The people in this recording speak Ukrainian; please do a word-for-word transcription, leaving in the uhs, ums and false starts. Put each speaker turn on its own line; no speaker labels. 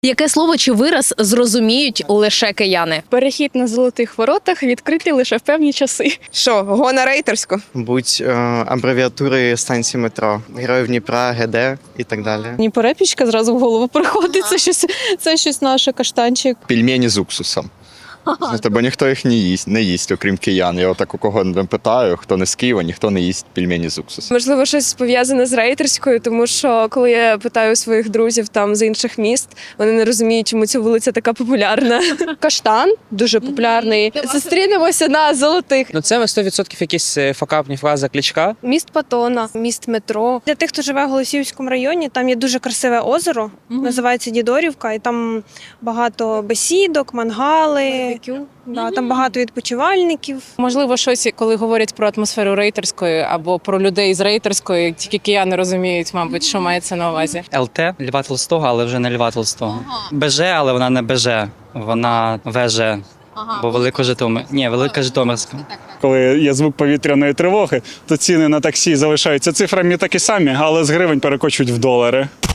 Яке слово чи вираз зрозуміють лише кияни?
Перехід на золотих воротах відкритий лише в певні часи.
Що, го на рейтерську?
Будь е, абревіатури станції метро, Героїв Дніпра, ГД і так далі.
Ні, перепічка зразу в голову приходить. Це щось, це щось наше, каштанчик.
Пельмені з уксусом. Знаєте, бо ніхто їх не їсть, не їсть, окрім киян. Я отак у кого не питаю, хто не з Києва, ніхто не їсть пельмені з уксусом.
Можливо, щось пов'язане з рейтерською, тому що коли я питаю своїх друзів там з інших міст, вони не розуміють, чому ця вулиця така популярна. Каштан дуже популярний. Зустрінемося на золотих.
Ну це сто відсотків якісь факапні фрази Кличка.
Міст Патона, міст метро. Для тих, хто живе в Голосіївському районі, там є дуже красиве озеро, називається Дідорівка, і там багато бесідок, мангали. Да, там багато відпочивальників.
Можливо, щось, коли говорять про атмосферу рейтерської або про людей з рейтерської, тільки кияни розуміють, мабуть, що мається на увазі.
ЛТ Льва Толстого, але вже не Льва Толстого. БЖ, але вона не БЖ, вона ВЖ. Бо Велика Житомир. Ні, Велика Житомирська.
Коли є звук повітряної тривоги, то ціни на таксі залишаються цифрами такі самі, але з гривень перекочують в долари.